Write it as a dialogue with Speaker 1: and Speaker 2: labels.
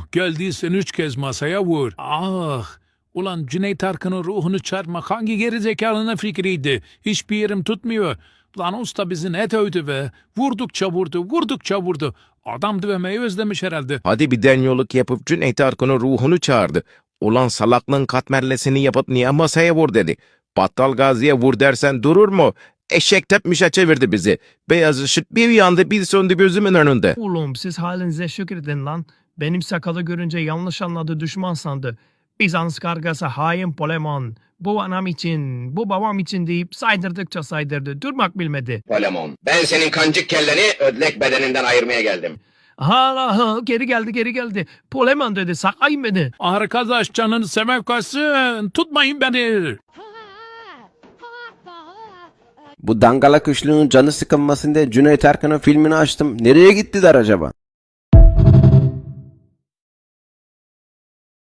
Speaker 1: geldiysen 3 kez masaya vur. Ah! Ulan Cüneyt Arkın'ın ruhunu çarpmak hangi gerizekalının fikriydi? Hiçbir yerim tutmuyor. Lan usta bizi ne dövdü be. Vurdukça vurdu. Adam dövmeyi özlemiş herhalde.
Speaker 2: Hadi bir denyoluk yapıp Cüneyt Arkın'ın ruhunu çağırdı. Ulan salaklığın katmerlesini yapıp niye masaya vur dedi. Battal Gazi'ye vur dersen durur mu? Eşek tepmişe çevirdi bizi. Beyaz ışık bir yandı bir söndü gözümün önünde.
Speaker 3: Oğlum siz halinize şükredin lan. Benim sakalı görünce yanlış anladı, düşman sandı. Bizans kargası hain Polemon. Bu anam için, bu babam için deyip saydırdıkça saydırdı. Durmak bilmedi.
Speaker 4: Polemon. Ben senin kancık kelleni ödlek bedeninden ayırmaya geldim.
Speaker 3: Ha, geri geldi. Polemon dedi, sakayın beni.
Speaker 1: Arkadaş canını seven kaçsın. Tutmayın beni.
Speaker 5: Bu dangalak üçlünün canı sıkılmasın diye Cüneyt Arkın'ın filmini açtım. Nereye gittiler acaba?